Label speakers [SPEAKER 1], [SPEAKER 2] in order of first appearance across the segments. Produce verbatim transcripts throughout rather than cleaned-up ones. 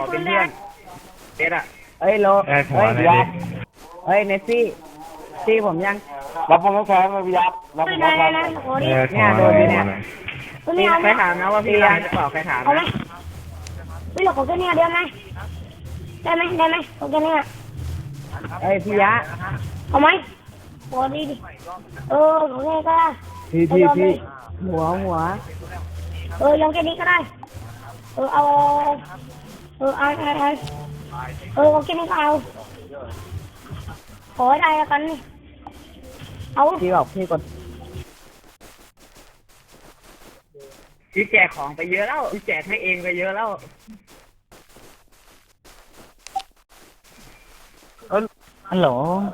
[SPEAKER 1] เป็นเพื่อนเอ็ดอะ
[SPEAKER 2] เฮ้ยโลเฮ้ยยับเฮ้ยเนซี่ซี่ผมยังรับผมแข็งเลยพี่ยับรับผมแข็งเนี่ยโดนเนี่ยพี่ใครถามนะว่าพี่ยังจะตอบใครถามนะ
[SPEAKER 3] พี่หลอกกันเนี่ยเดี๋ยวไหมได้ไหมได้ไหมโอเคเนี่ย
[SPEAKER 2] เฮ้ยพี่ยะ
[SPEAKER 3] เอาไหมโอ้ดีดิเออโอเคก็ได้
[SPEAKER 2] พี่พี่พี่หัวหัว
[SPEAKER 3] เออยองแค่นี้ก็ได้เออเอาเออเอาเอาเอาเออโอเคนี่ก็เอาขอได้แล้วกันนี่เอา
[SPEAKER 2] พี่บอกพี่กด
[SPEAKER 1] พี่แจกของไปเยอะแล้วพี่แจกให้เองไปเยอะแล้ว
[SPEAKER 2] ฮัลโหล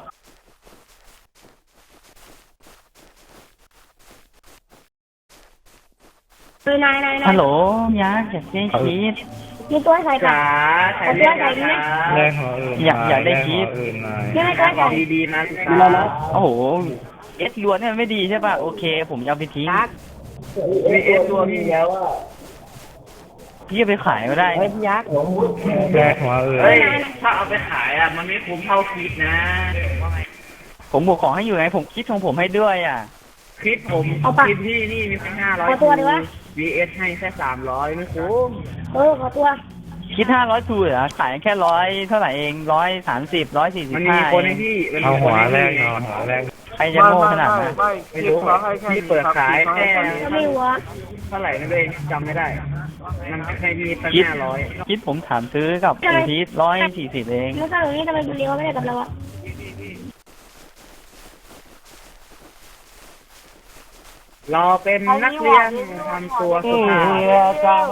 [SPEAKER 3] เออนายนายนาย
[SPEAKER 2] ฮัลโหลยะอยากได้ชีส
[SPEAKER 3] มีตัวใส่
[SPEAKER 1] จ๋าใส่เลือดจ๋า
[SPEAKER 2] แรงหัวอื่นอยากอยากได้ชีส
[SPEAKER 3] ไม่ไม่ตัวใส่
[SPEAKER 1] ดีดีนะ
[SPEAKER 2] พี่ตาโอ้โหเอสล้วนเนี่ยไม่ดีใช่ป่ะโอเคผมจะเอาไปทิ้ง
[SPEAKER 1] มีเอสตัวพี่แล้วอ่ะ
[SPEAKER 2] พี่จะไปขายก็ได้เฮ้ยยักษ์แรงหัวอื่น
[SPEAKER 1] เฮ้ยถ้าเอาไปขายอ่ะมันไม่คุ้มเท่าคิดนะ
[SPEAKER 2] ผมบอกขอให้อยู่ไงผมคิดของผมให้ด้วยอ่ะ
[SPEAKER 1] คลิปผมคลิปพี่นี่มีแค่ห้าร้อยวีเอสให้แค่สามร้อยไม่คุ้ม
[SPEAKER 3] เออขอตัว
[SPEAKER 2] คิดห้าร้อยทูเหรอขายแค่ร้อยเท่าไหร่เองร้อยสามสิบร้อยสี่สิบห้า
[SPEAKER 1] มันมีคนให้พี่
[SPEAKER 2] เอาหัวแรกเอาหัวแรกใครจะโง่ขนาดนั้น
[SPEAKER 1] ไม่รู้พี่เปิดขายแค่
[SPEAKER 3] ไม่รู้ว่า
[SPEAKER 1] เท่าไหร่นั่นเองจำไม่ได้มันแค่มีตั้งห้าร้อย
[SPEAKER 2] คิดผมถามซื้อกับอุทิศร้อยสี่สิบเอง
[SPEAKER 3] แล้วก็อย่างนี้ทำไมคุณเลี้ยวไม่ได้กับเราอะ
[SPEAKER 1] รอเป็นนักเรียนทำตัวสุภาพ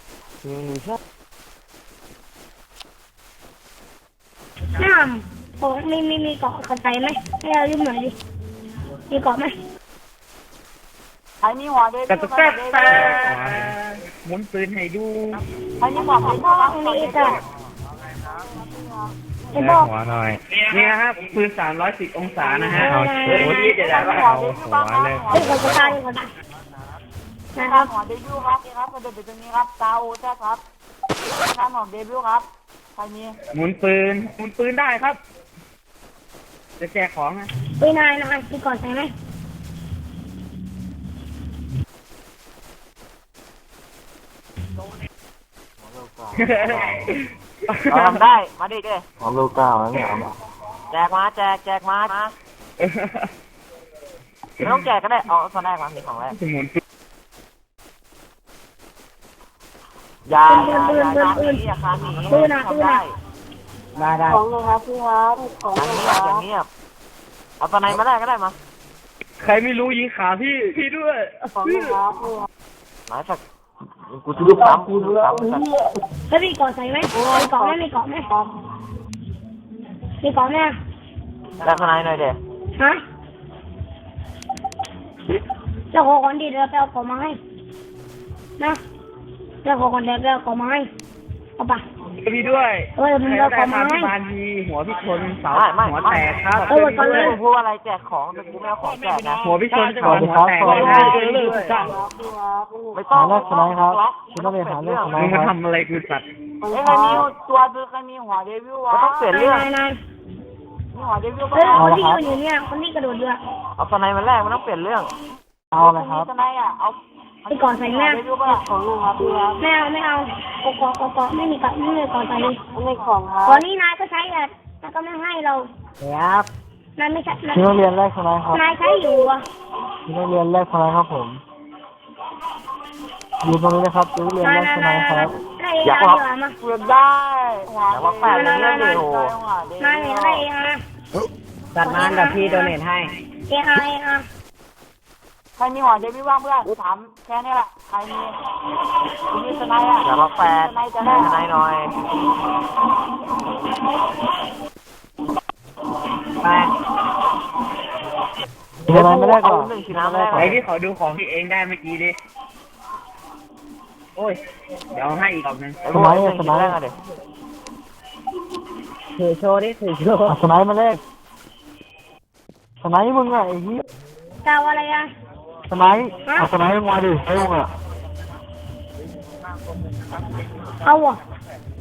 [SPEAKER 3] น้ำโอ้มีมีมีเกาะกระจายไหมให้เรายืมหน่อยดิมีเกาะไหม
[SPEAKER 4] ไอ้นี่หัวเด็ก
[SPEAKER 1] กระตุกแป๊บแป๊บหมุนปืนให้ดู
[SPEAKER 4] ไอ้นี่หัวเป็นพ่อ
[SPEAKER 3] นี่จ้ะ
[SPEAKER 2] ไอ้บอกหัวหน่อย
[SPEAKER 1] นี่ครับปืนสามร้อยสิบองศานะฮะโอ้ยจะได้ก็เอาหัวเลย
[SPEAKER 3] เฮ้ยกระจายกระจาย
[SPEAKER 4] นะครับหัวเดบิวต์ครับนี่ครับกระโดดไปตรงนี้ครับตาโอแท้ครับท่านของเดบิวต์ครับใครมี
[SPEAKER 1] หมุนปืนหมุนปืนได้ครับจะแจกของนะ
[SPEAKER 3] ปืนนายนายมีก่อนใช่ไหม
[SPEAKER 4] ทำได้มาดิเด้
[SPEAKER 2] หอมลูกเก้าแล้วเนี่ย
[SPEAKER 4] แจกมาแจกแจกมาไม่ต้องแจกก็ได้เอาตอนแรกมามีของแรกยา
[SPEAKER 3] ปืนปืนปืนปืน
[SPEAKER 4] ยาคาหนี
[SPEAKER 3] ปืนนะปืนนะ
[SPEAKER 2] ได้ได้
[SPEAKER 4] ของเลยครับพี่ครับของอย่างเงียบเอาตอนไหนมาได้ก็ได้มา
[SPEAKER 1] ใครไม่รู้ยิงขาพี่พี่ด้วย
[SPEAKER 4] ของเลยครับหมายสักกูจะดูปั๊มกูดูปั๊ม
[SPEAKER 3] แล้วมีเกาะใส่ไหมมีเกาะไหมมีเกาะไหมมีเกาะไหม
[SPEAKER 4] แล้วข้างในหน่อยเด็
[SPEAKER 3] ฮะจะขอก่อนดีเดี๋ยวไปเอาของมาให้นะจะขอก่อนเดี๋ยวไปเอาของมาให้เอาไป
[SPEAKER 1] พี่ด้วย
[SPEAKER 3] เออมึงเอาของมาให้
[SPEAKER 1] บานทีหัวพี่ชนเสาหัวแตกครับ
[SPEAKER 3] เออก่อนเลย
[SPEAKER 4] พูดอะไรแจกของแต่กูไม่เอาของแจกนะ
[SPEAKER 1] หัวพี่ชนเสาหัวแตกเลยนะ
[SPEAKER 4] ไม่ต้อง
[SPEAKER 2] แรกสไลด์ครับคุณต้องไปหาเรื่อง
[SPEAKER 1] มึงมาทำอะไรกูสัตว์
[SPEAKER 4] เอ้ยใครมีตัวซื้อใครมีหัวเดวิลวะต้องเปลี่ยนเรื่อง
[SPEAKER 3] นาย
[SPEAKER 4] มีหัวเดวิล
[SPEAKER 3] เฮ้ยคนที่อยู่เนี่ยคนที่กระโดดเรือ
[SPEAKER 4] เอาสไนมันแรกมันต้องเปลี่ยนเรื่อง
[SPEAKER 2] เอาเลยครับ
[SPEAKER 4] สไนอ่ะเอา
[SPEAKER 3] ไปก่อนใส่แม่
[SPEAKER 4] ของลุงครับพี่ครับ
[SPEAKER 3] ไม่เอาไม่เอากอกอกอกอไม่มีกับไม่มีก่อนใส่เลย
[SPEAKER 4] ไม่ของครับ
[SPEAKER 3] ตอนนี้นายก็ใช้แต่นายก็ไม่ให้เรา
[SPEAKER 2] ครับ
[SPEAKER 3] นายไม่ใช่
[SPEAKER 2] ที่โรงเรียนแรกสไลด์ครับ
[SPEAKER 3] นายใช้อยู่อ่ะ
[SPEAKER 2] ที่โรงเรียนแรกสไลด์ครับผมอยู่ตรงนี้นะครับที่โรงเรียนแรกสไลด์ครับ
[SPEAKER 3] อยากว่า
[SPEAKER 4] เพื่อนได้อยากว่าแปดเรื่องเดียวน
[SPEAKER 3] ายอะไรเองนะ
[SPEAKER 2] จัดงานกับพี่โดเนทให้
[SPEAKER 3] เองอะไรอ่ะ
[SPEAKER 4] ใครมีหัวเดวิลว่างเพื่อนถามแค่นี้แหละใครมีมีสไนอ่ะอยากว่าแปดสไนหน่อย
[SPEAKER 2] ไปสไนไม่ได้ก่อน
[SPEAKER 1] ไอ้ที่ขอดูของที่เองได้เมื่อกี้ดิโอ้ยเดี๋ยวให้อีกรอบนึง
[SPEAKER 2] สไนสไนอะไรถือโชว์ดิถือโชว์สไนมาเลขสไนมึงอะไอ้ที่
[SPEAKER 3] เจ้าอะไรอ่ะ
[SPEAKER 2] สไนเอาสไนมาดิไอ้มึงอะ
[SPEAKER 3] เอาอ่ะ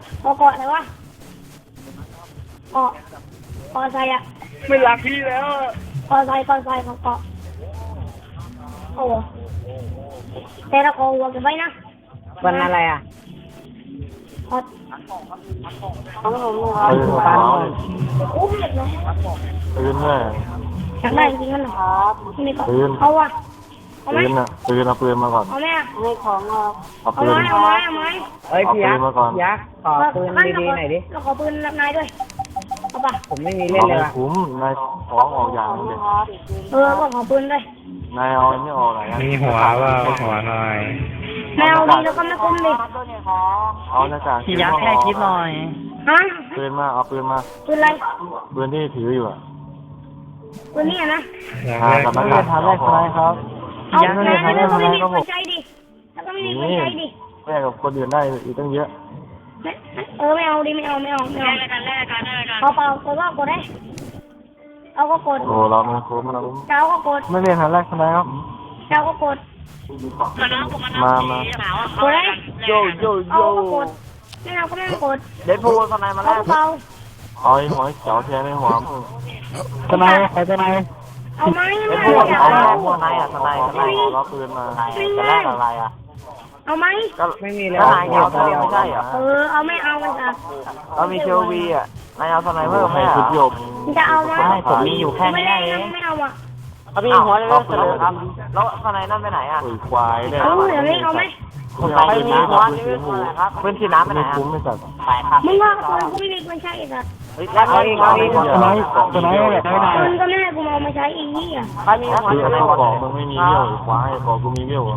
[SPEAKER 3] เกาะเกาะอะไรวะเกาะเกาะใส่อะ
[SPEAKER 1] ไม่รักพี่แล้ว
[SPEAKER 3] เกาะใส่เกาะใส่เกาะเกาะโอ้โหแต่ละเกาะหัวกันไว้นะ
[SPEAKER 2] วันอะไรอ่ะ
[SPEAKER 3] เกาะ
[SPEAKER 4] ต้องลง
[SPEAKER 5] ปืนขาว
[SPEAKER 3] อุ้มเด็กเลย
[SPEAKER 5] ปืนแม่
[SPEAKER 3] อยากได้จริงๆมันเหรอไม่มีเกาะ
[SPEAKER 5] ปืน
[SPEAKER 3] เอาวะเอาไหม
[SPEAKER 5] ปืนอ่ะปืนเอาปืนมาก่อน
[SPEAKER 3] เอาไหมอะ
[SPEAKER 4] ไม่ของเรา
[SPEAKER 5] เอา
[SPEAKER 3] เอา
[SPEAKER 5] ปื
[SPEAKER 3] ไหม
[SPEAKER 5] น
[SPEAKER 3] เอาไหมเอาไหม
[SPEAKER 2] เอ้ยพี่ยักษ์
[SPEAKER 5] เอาปืนมาก่อน
[SPEAKER 2] พี่ยักษ์ขอปืนดีๆหน่อยดิ
[SPEAKER 3] เราขอปืนรับนายด้วยเอาปะ
[SPEAKER 2] ผมไม่มีเล่น
[SPEAKER 5] เอา
[SPEAKER 2] เลย
[SPEAKER 5] ให้
[SPEAKER 2] ว่ะ
[SPEAKER 5] คุ้มนายของออกอย่างนึงเด็
[SPEAKER 3] เออก็ขอปืนด้วย
[SPEAKER 5] นายเอาอันนี้ออกไหนอะ
[SPEAKER 6] มีหัวว่าหัวหน่อย
[SPEAKER 3] แมวดีแล้วก็ไม่คุ้มดิ
[SPEAKER 4] ตัวนี้ของ
[SPEAKER 5] เอาหน้ากาก
[SPEAKER 6] พี่ยักษ์แค่คิดหน่อย
[SPEAKER 3] ฮะ
[SPEAKER 5] ปืนมาเอาปืนมา
[SPEAKER 3] ปืนอะไร
[SPEAKER 5] ปืนที่ถืออยู่อ่ะ
[SPEAKER 3] ปืนนี่อะนะ
[SPEAKER 6] อย่าง
[SPEAKER 5] อ่า
[SPEAKER 6] แรก
[SPEAKER 5] กับหน้ากากเอาพอครับ
[SPEAKER 3] เอาแม่แล้วก็ไม่มีคนใช้ดิแล้วก็ไม่มีคนใช้ดิ
[SPEAKER 5] แม่กับคนอื่นได้อีกตั้งเยอะ
[SPEAKER 3] เออไม่เอาดิไม่เอาไม่เอาไม่เอาแลกกันแลกกันแลกกันเอาเปล่าแต่ว่ากดได้เอาก็กด
[SPEAKER 5] โอ้เราไม่คุ้มเรา
[SPEAKER 3] เจ้าก็กด
[SPEAKER 5] ไม่เรียนครั้งแรกใช่ไหมครับ
[SPEAKER 3] เจ้าก็กด
[SPEAKER 5] มามา
[SPEAKER 3] กดได้
[SPEAKER 4] โยโยโย
[SPEAKER 3] เอาก็กดไม่เอาก็ไม่กด
[SPEAKER 4] เด็ดพูดทนายมา
[SPEAKER 3] เอา
[SPEAKER 4] แล้ว
[SPEAKER 3] ก็เปล่า
[SPEAKER 5] เอาไอ้หัวเขียวแทนไอ้หัวมึง
[SPEAKER 2] ทนายใครทนาย
[SPEAKER 3] เอาไหม
[SPEAKER 4] เด็
[SPEAKER 3] ไม่
[SPEAKER 4] ดพู
[SPEAKER 3] เอา
[SPEAKER 4] ด
[SPEAKER 3] อย่า
[SPEAKER 4] เอา
[SPEAKER 3] เอา
[SPEAKER 4] ทนายอ่ะทนายทนาย
[SPEAKER 5] เราปืนมา
[SPEAKER 4] จะแลกอะไรอ่ะ
[SPEAKER 3] เอาไหม
[SPEAKER 4] ก็
[SPEAKER 2] ไม่มีเลย
[SPEAKER 4] ทนายเอาทนายไม่ใช่เหรอ
[SPEAKER 3] เออเอาไม่เอามันจะ
[SPEAKER 4] เรามีเชลวีอ่ะนายเอาทนายเพิ่มไหม
[SPEAKER 5] ให้
[SPEAKER 4] อ่ะ
[SPEAKER 5] ชุดโยม
[SPEAKER 3] มันจะเอาไหม
[SPEAKER 6] ผมมีอยู่แค่
[SPEAKER 3] ไม่
[SPEAKER 6] นี้
[SPEAKER 3] ได้
[SPEAKER 6] เอ
[SPEAKER 3] นะ
[SPEAKER 6] ง
[SPEAKER 3] ไม่เอาอ่ะ
[SPEAKER 4] เขามีหัวเลยเสนอครับแล้วทนายนั่นไปไหนอ่ะ
[SPEAKER 5] โอ้ยควายเนี่ย
[SPEAKER 3] เอาเดี๋ยวนี้เอาไหม
[SPEAKER 4] ใครมีหัวนี่ไม่ควรครับเพื่อนที่น้ำไปไหน
[SPEAKER 5] ไม่
[SPEAKER 4] อ่ะ
[SPEAKER 5] คุ้มไม่สัตว์
[SPEAKER 4] ไปครับ
[SPEAKER 3] มึงว่าปืนกูไม่มีคนใช้อีกอ่ะ
[SPEAKER 4] แล้วเอาอีกเอาอีก
[SPEAKER 5] จะไหนจะไหนเนี่ยไม่ได้
[SPEAKER 3] ปืนก็ไม่ให้กูเอามาใช้อีกนี่อ่ะ
[SPEAKER 4] ใครมีหัว
[SPEAKER 5] คือ
[SPEAKER 4] ทนาย
[SPEAKER 5] เอา
[SPEAKER 4] บอก
[SPEAKER 5] ของมึงไม่มีเบี้ยวควายบอกกูมีเบี้ยว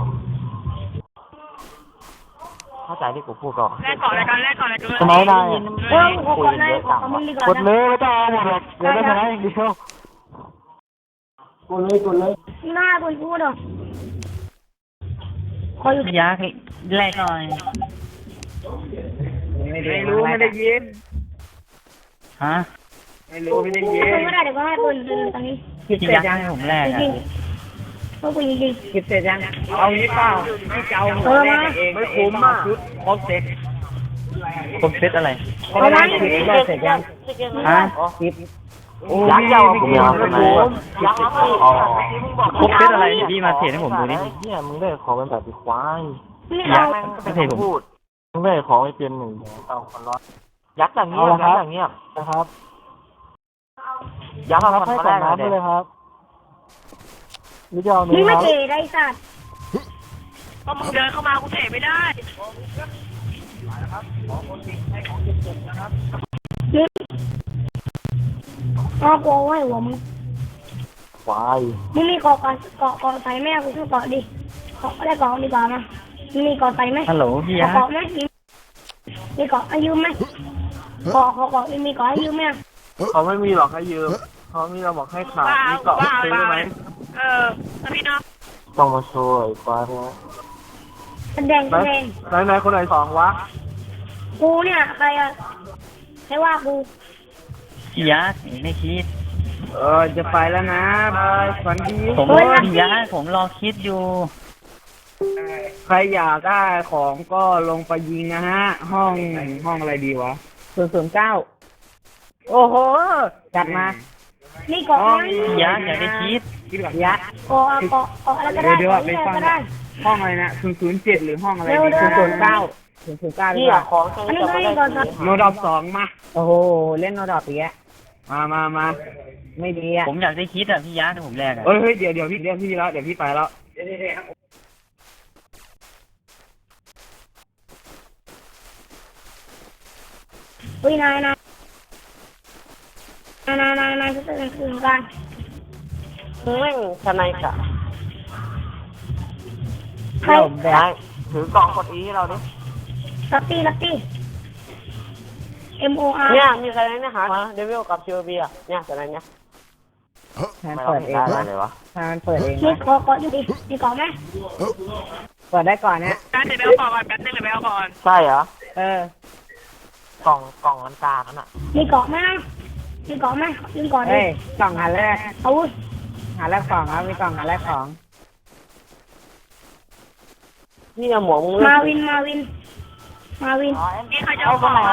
[SPEAKER 4] เข้าใจที่กูพูดก่อน
[SPEAKER 5] จะไหนได้
[SPEAKER 3] เออกูขอได้ขอมึงดีกว่าก
[SPEAKER 5] ดเลยไม่ต้องเอาหมดหรอกเดี๋ยวได้ไหนเดียวกดเลยกดเลย
[SPEAKER 3] หน้าปืนกูเด้อคอยอยู่
[SPEAKER 6] พี่ยักษ์แรกหน่อย
[SPEAKER 1] ไม่รู้ไม่ได้ยิน
[SPEAKER 6] ฮะ
[SPEAKER 1] ไม่รู้ไม่ได้ยิน
[SPEAKER 3] ปืนก็ได้เดี๋ยวก็ให้ปืนปืนตอนนี้
[SPEAKER 2] คิด
[SPEAKER 6] พี่
[SPEAKER 2] เสร็
[SPEAKER 6] ยั
[SPEAKER 2] จ
[SPEAKER 6] กษ์
[SPEAKER 2] ยัง
[SPEAKER 6] ให้ผมแรก
[SPEAKER 3] จ
[SPEAKER 6] อ่ะ
[SPEAKER 3] ริงๆเพราะปืนจริง
[SPEAKER 2] คิดเสร็จยัง
[SPEAKER 1] เอางี้เปล่าพี่เจ้าหัวแรกเองไม่คุ้มอ่ะชุดครบเซ็ต
[SPEAKER 6] ผมเซตอะไร
[SPEAKER 2] ทนายคิดว่าเสร็จยัง
[SPEAKER 6] ฮะ
[SPEAKER 2] คิด
[SPEAKER 4] ยักษ์ยาว
[SPEAKER 5] กูไม่เอาไปไหน
[SPEAKER 4] ยักษ์ครับพี่
[SPEAKER 5] อ๋อ
[SPEAKER 6] ครบเซตอะไรพี่มาเทรดให้ผมดูดิ
[SPEAKER 5] เนี่ยมึงได้ของเป็นแบบควาย
[SPEAKER 3] ๆไม่
[SPEAKER 6] ยั
[SPEAKER 3] เอา
[SPEAKER 6] กษ์ไม่เทรดผม
[SPEAKER 4] พูด
[SPEAKER 5] มึงได้ของไม่เป็นหนึ่งเอาคนร้อน
[SPEAKER 4] ยักษ์อย่างเงียบยักษ์อย่างเงียบ
[SPEAKER 5] นะครับ
[SPEAKER 4] ยักษ์
[SPEAKER 5] ครั
[SPEAKER 4] เอา
[SPEAKER 5] บ
[SPEAKER 4] คน
[SPEAKER 5] ให้
[SPEAKER 4] มา
[SPEAKER 5] ก่
[SPEAKER 4] แร
[SPEAKER 5] อน
[SPEAKER 4] ก
[SPEAKER 5] น้ำ
[SPEAKER 4] เล
[SPEAKER 5] ไปเลย ยครับนี่จะเอา
[SPEAKER 3] มึ
[SPEAKER 5] เนื้
[SPEAKER 3] ง
[SPEAKER 5] อ
[SPEAKER 3] ไม่
[SPEAKER 5] ครับ
[SPEAKER 3] เก๋ได้สัตว์
[SPEAKER 7] ก็มึงเดินเข้ามากูเตะไม่ได้
[SPEAKER 3] อ๋อกูเอาไว้หัวมึง
[SPEAKER 5] ควาย
[SPEAKER 3] มึงมีเกาะกันเกาะเกาะใส่ไหมกูซื้อเกาะดิเกาะได้เกาะดีกว่ามามึงมีเกาะใส่ไหม
[SPEAKER 6] ฮัลโหลพี่ยัก
[SPEAKER 3] เกาะ
[SPEAKER 6] ษ์
[SPEAKER 3] ไหมมีมีเกาะให้ยืมไหมเกาะเกาะเกาะมีเกาะให้ยืมไหม
[SPEAKER 1] เขาไม่มีหรอกให้ยืมเขามีเราบอกให้ขาดมีเกาะซื้อได้ไหม
[SPEAKER 7] เออแล้วพี่น้อง
[SPEAKER 5] ต้องมาโชว์ไอ้ควายพวกนี้
[SPEAKER 3] แสดงแสดง
[SPEAKER 1] ไหนไหนคนไหนสองวะ
[SPEAKER 3] กูเนี่ยใครอะใครว่ากู
[SPEAKER 6] พี่ยักษ์ไม่คิด
[SPEAKER 1] เออจะไปแล้วนะบายฝันดี
[SPEAKER 6] ผมพี่ยักษ์ผมรอคิดอยู่
[SPEAKER 1] ใครอยากได้ของก็ลงไปยิงนะฮะ ห้องห้องอะไรดีวะ
[SPEAKER 2] ศูนย์ศูนย์เก้า
[SPEAKER 1] โอ้โห
[SPEAKER 2] จัดมา
[SPEAKER 3] มีเกาะไหม
[SPEAKER 6] พี่ยักษ์อย่าได้คิด
[SPEAKER 1] คิดก่อน
[SPEAKER 2] ยักษ์
[SPEAKER 3] เกาะเกาะเกาะอะไรก็ได้
[SPEAKER 1] เดี๋ยว
[SPEAKER 3] เกาะ
[SPEAKER 1] ไป
[SPEAKER 3] นี่
[SPEAKER 1] ฟัง
[SPEAKER 3] ก็ได้
[SPEAKER 1] ห้องอะไรนะศูนย์ศูนย์เจ็ดหรือห้องอะไรดี
[SPEAKER 2] ศูนย์ศูนย์เก้าศูนย์ศูนย์เก้าดี
[SPEAKER 4] พี่
[SPEAKER 2] กว่า
[SPEAKER 4] อะของใช้
[SPEAKER 3] อันนี้
[SPEAKER 4] จะ
[SPEAKER 3] ก็
[SPEAKER 4] ไม่
[SPEAKER 3] มี
[SPEAKER 4] ได้
[SPEAKER 3] เกาะสัตว์
[SPEAKER 1] โนดอบสองมา
[SPEAKER 2] โอ้โหเล่นโนดอปอีกแล้ว
[SPEAKER 1] มามามา
[SPEAKER 2] ไม่ดีอ่ะ
[SPEAKER 6] ผมอยากได้คิดอ่ะพี่ยักษ์ผมแรกอ่ะ
[SPEAKER 1] เอ้ยเฮ้ยเดี๋ยวเดี๋ยวพี่เดี๋ยวพี่แล้วเดี๋ยวพี่ไปแล้ว
[SPEAKER 3] อุ้ยนายนายนายนายนายนายจะตื่นคืนกัน
[SPEAKER 4] แม่งทนายกะ
[SPEAKER 3] ใคร
[SPEAKER 4] นายถือกล่องกดอีให้เราดิ
[SPEAKER 3] ลักตี้ลักตี้ M O R
[SPEAKER 4] เนี่ยมีใครเนี่ยหาเดวิลกับเชลบีอ่ะเนี่ยทนายเนี่ย
[SPEAKER 2] ทาน
[SPEAKER 4] ไม่
[SPEAKER 2] เปิด
[SPEAKER 4] เห็
[SPEAKER 2] เอน ง
[SPEAKER 4] ได้
[SPEAKER 2] นะ
[SPEAKER 4] เลยวะ
[SPEAKER 2] ทานเปิดเอง
[SPEAKER 3] มี
[SPEAKER 2] นะ
[SPEAKER 3] เกาะเกาะอยู่ดิมีเกาะไหม
[SPEAKER 2] เปิดได้ก่อนเนี่ย
[SPEAKER 7] การเดี๋ยวไปเอาก่อนแป๊บนึงเดี๋ยวไปเอาก่อน
[SPEAKER 4] ใช่เหรอ
[SPEAKER 2] เออก
[SPEAKER 4] ล่องกล่องอันกลางนั่นอ่ะ
[SPEAKER 3] มีเกาะไหมนะมีเกาะไหมยืมเกาะดิ
[SPEAKER 2] เฮ้ยกล่องหาแรก
[SPEAKER 3] เอาวุ้ย
[SPEAKER 2] หาแรกของครับมีกล่องหาแรกของ
[SPEAKER 4] พี่เอาหมวกมึง
[SPEAKER 3] มาวินมาวิน มาวิน
[SPEAKER 7] นี่ใครจะเอาก่อน